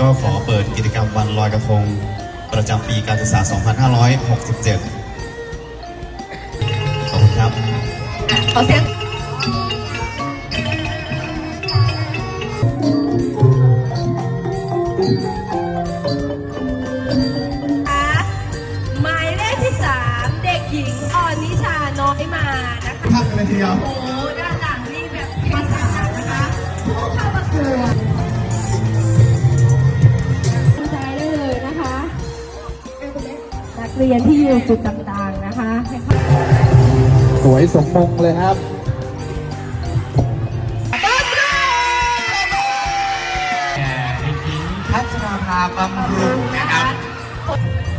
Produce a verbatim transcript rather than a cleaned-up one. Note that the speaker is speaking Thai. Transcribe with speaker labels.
Speaker 1: ก็ขอเปิดกิจกรรมวันลอยกระทงประจำปีการศึกษา สองพันห้าร้อยหกสิบเจ็ด ขอบคุณครับ
Speaker 2: ขอเสียงหมายเลขที่สามเด็กหญิงออนิชาน้อยมานะคะ
Speaker 3: พักเลยทีเดียว
Speaker 2: โอ้ด้านหลังนี่แบบภาษานะคะผู้เข้าประกวดใจได้เลยนะคะนักเรียนที่อยู่จุดต่างๆนะคะ
Speaker 3: สวยสมมงเลยครับ
Speaker 4: เด็กหญิงพัชราภาบำรุงนะครับ